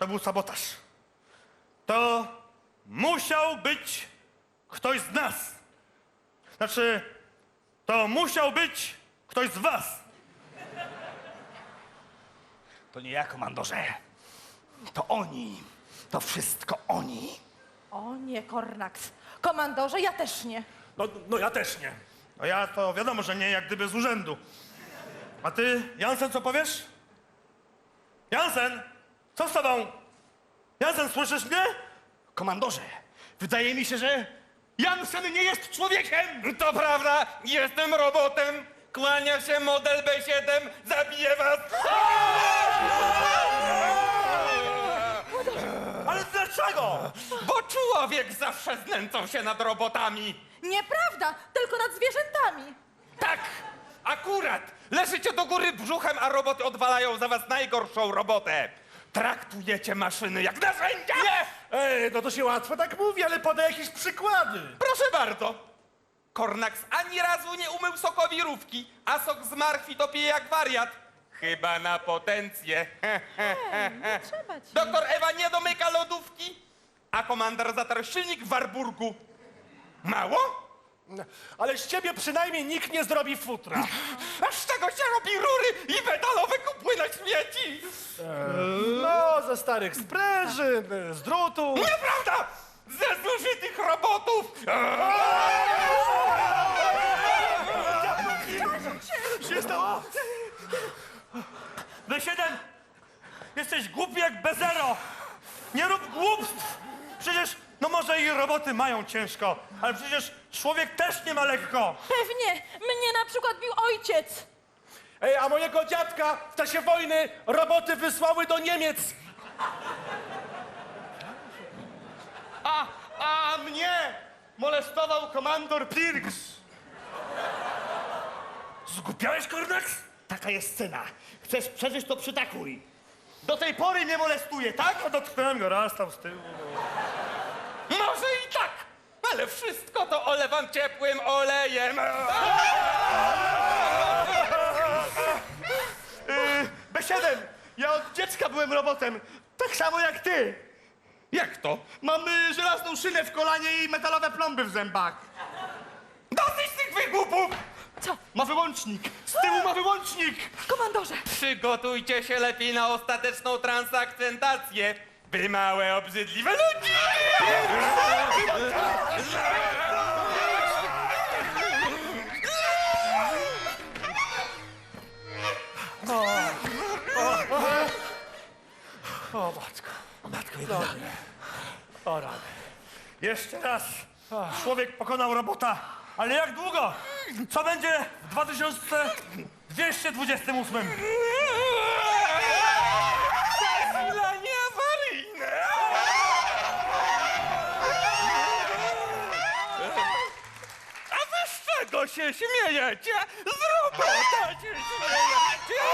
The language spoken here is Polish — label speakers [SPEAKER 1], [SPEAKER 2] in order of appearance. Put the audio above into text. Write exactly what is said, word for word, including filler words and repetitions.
[SPEAKER 1] to był sabotaż. To musiał być ktoś z nas. Znaczy, to musiał być ktoś z was.
[SPEAKER 2] To nie ja, komandorze. To oni. To wszystko oni.
[SPEAKER 3] O nie, Kornaks. Komandorze, ja też nie.
[SPEAKER 4] No, no ja też nie.
[SPEAKER 1] No ja to wiadomo, że nie, jak gdyby z urzędu. A ty, Jansen, co powiesz? Jansen, co z tobą? Jansen, słyszysz mnie?
[SPEAKER 2] Komandorze, wydaje mi się, że Jansen nie jest człowiekiem.
[SPEAKER 5] To prawda, jestem robotem. Kłania się model B siedem, zabiję was.
[SPEAKER 1] Ale dlaczego?
[SPEAKER 5] Bo człowiek zawsze znęcał się nad robotami.
[SPEAKER 3] Nieprawda, tylko nad zwierzętami.
[SPEAKER 5] Tak, akurat. Leżycie do góry brzuchem, a roboty odwalają za was najgorszą robotę. Traktujecie maszyny jak narzędzia. Nie!
[SPEAKER 4] Ej, no to się łatwo tak mówi, ale podaj jakieś przykłady.
[SPEAKER 5] Proszę bardzo. Kornaks ani razu nie umył sokowirówki, a sok z marchwi to pije jak wariat. Chyba na potencję.
[SPEAKER 3] Nie trzeba ci.
[SPEAKER 5] Doktor Ewa nie domyka lodówki, a komandor zatarł silnik w Warburgu. Mało?
[SPEAKER 4] Ale z ciebie przynajmniej nikt nie zrobi futra.
[SPEAKER 5] A z czego się robi rury i metalowe kupły na śmieci?
[SPEAKER 4] No, ze starych sprężyn, z drutu.
[SPEAKER 5] Nieprawda! Ze zużytych robotów!
[SPEAKER 1] Co się stało? B siedem, jesteś głupi jak bezero. Nie rób głupstw. Przecież, no może i roboty mają ciężko, ale przecież człowiek też nie ma lekko.
[SPEAKER 3] Pewnie. Mnie na przykład bił ojciec.
[SPEAKER 4] Ej, a mojego dziadka w czasie wojny roboty wysłały do Niemiec.
[SPEAKER 2] A, a mnie molestował komandor Pirks.
[SPEAKER 1] Zgubiałeś, Kornaks?
[SPEAKER 2] Taka jest scena. Chcesz przeżyć, to przytakuj. Do tej pory mnie molestuje, tak?
[SPEAKER 1] No dotknąłem go raz tam z tyłu.
[SPEAKER 5] Może i tak, ale wszystko to olewam ciepłym olejem.
[SPEAKER 2] Yy, B siedem, ja od dziecka byłem robotem. Tak samo jak ty.
[SPEAKER 5] Jak to?
[SPEAKER 2] Mam y, żelazną szynę w kolanie i metalowe plomby w zębach.
[SPEAKER 5] Dosyć tych wygłupów!
[SPEAKER 3] Co?
[SPEAKER 2] Ma wyłącznik. Z tyłu ma wyłącznik.
[SPEAKER 3] Komandorze.
[SPEAKER 5] Przygotujcie się lepiej na ostateczną transakcentację. Wy małe, obrzydliwe ludzi!
[SPEAKER 1] O matko, matko jedyna. O rany. Jeszcze raz. Człowiek pokonał robota. Ale jak długo? Co będzie w dwa tysiące dwieście dwudziestym ósmym?
[SPEAKER 5] Zasilanie awaryjne! A wy z czego się śmiejecie? Z robota się śmiejecie!